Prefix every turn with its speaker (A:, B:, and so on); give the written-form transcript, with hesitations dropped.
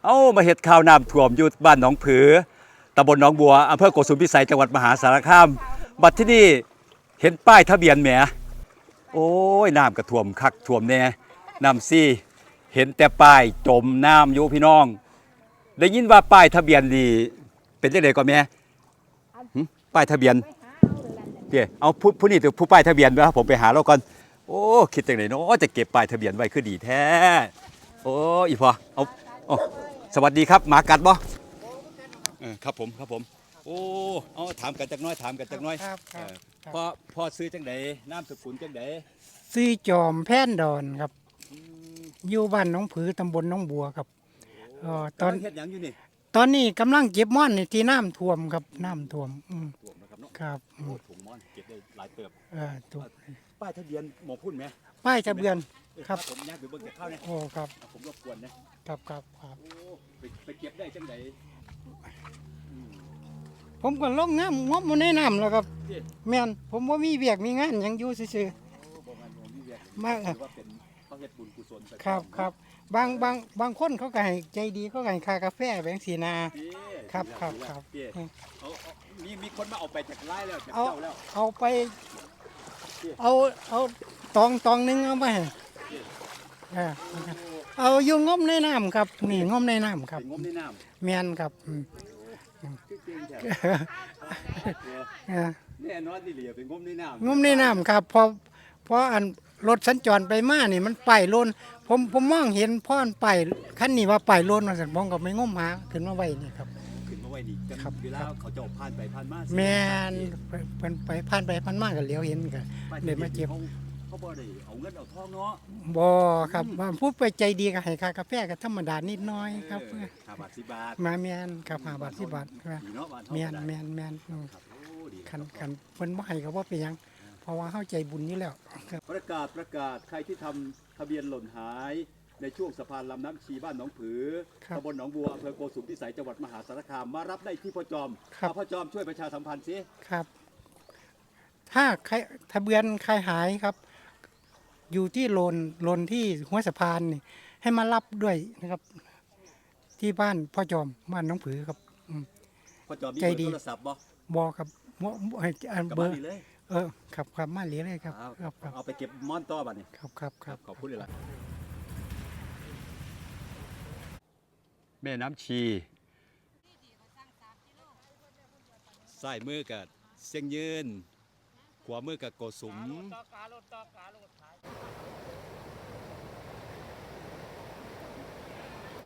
A: มาเฮ็ดข่าวน้ำท่วมอยู่บ้านหนองผือตำบลหนองบัวอำเภอโกสุมพิสัยจังหวัดมหาสารคามบัดที่นี่เห็นป้ายทะเบียนแหมโอ้ยน้ำก็ท่วมคักท่วมแน่น้ำซี่เห็นแต่ป้ายจมน้ำอยู่พี่น้องได้ยินว่าป้ายทะเบียนนี่เป็นจังได๋ก่อนแม่ป้ายทะเบียนเด้เอาผู้นี่ผู้ป้ายทะเบียนบ่ครับผมไปหาเราก่อนโอ้คิดจังได๋เนาะจะเก็บป้ายทะเบียนไว้คือดีแท้โอ้อีพอเอาสวัสดีครับหมากัดบ่ครับผมโอ้เอาถามกันจักน้อย
B: ครับ
A: พ่อซื้อจังไดนามสกุลจังได
B: ซื้อจอมแพ่นดอนครับอยู่บ้านหนองผือตำบลหนองบัวครับ
A: ตอนเฮ็ดหยังอยู่นี่
B: ตอนนี้กำลังเก็บม่อนนี่ที่น้ำท่วมครับน้ำท่วม
A: ท่วมนะครับเนาะ
B: ครับ
A: โอ้ถุงม่อนเก็บได้หลายเติบ
B: ถูก
A: ป้ายทะเบียนหมอพุ่นไหม
B: ป้ายทะเบียนครับ
A: ผมอยากไปเบิ่งเก็บข้าวเนี่ย
B: โอ้ครับ
A: ผมรบกวน
B: นะครับ
A: โอ้ไปเก็บได้จังได
B: ผมก็ลงน้ำงบมันในน้ำแล้วครับแม่นผมว่ามีเวียกมีงานยังอยู่ซื่อๆมาก
A: ว่าเป็นเขาเฮ็ดบุญกุศล
B: ครับบางคนเขาก็ให้ใจดีเขาก็ให้ค่ากาแฟแบงค์สีนาครับ
A: มีคนมาเอาไปจากไร่แล้วจากเจ้าแล้ว
B: เอาไปเอาตองนึงเอาไปเอาอยู่งมในน้ำครับนี่งมในน้ำครับ
A: งมในน้ำ
B: แม่นครับ
A: แน่นอนที่เหลือเป็นงมในน้ำ
B: งมในน้ำครับพออันรถสัญจรไปมานี่มันไปโลนผมมองเห็นพ่อนไปคันนี้ว่าไปโลนมาสั่งมองกับไม่งมหาขึ้นมาไว้นี่ครับ
A: ขึ้นมาไว้นี่ครับเวลาเขาจะผ่านไปผ่านมา
B: แม่นไปผ่านไปผ่านมาก็เหลียวเห็นกันเลยมาเจ็บ
A: เขาบ่ได้เอาเงินเอาทองเนาะ
B: บ่ครับพูดไปใจดีก็ให้ค่ากาแฟก็ธรรมดานิดน้อยครับ
A: 5 บาท 10 บาท
B: มาแม่นครับ5 บาท 10 บาทแม่นคันเพิ่นบ่ให้ก็บ่เป็นหยังเพราะว่าเฮาใจบุญอยู่แล้ว
A: ประกาศใครที่ทำทะเบียนหล่นหายในช่วงสะพานลำน้ำชีบ้านหนองผือตำบลหนองบัวอำเภอโกสุมพิสัยจังหวัดมหาสารคามมารับได้ที่พ่อจอมพ่อจอมช่วยประชาสัมพันธ์สิ
B: ครับถ้าใครทะเบียนใครหายครับอยู่ที่โลนที่หัวสะพานนี่ให้มารับด้วยนะครับที่บ้านพ่อจอมบ้านหนองผือครับ
A: พ่อจอมมีเบอร์โทรศัพท์
B: บ่ครับเบอร์ครับมาเหลียเลยครับ
A: เอาไปเก็บม่อนต่อบัดนี้
B: ครับ
A: ขอบคุณเลยล่ะแม่น้ำชีใส่มือกับเสียงยืนขวามือกับโกสุม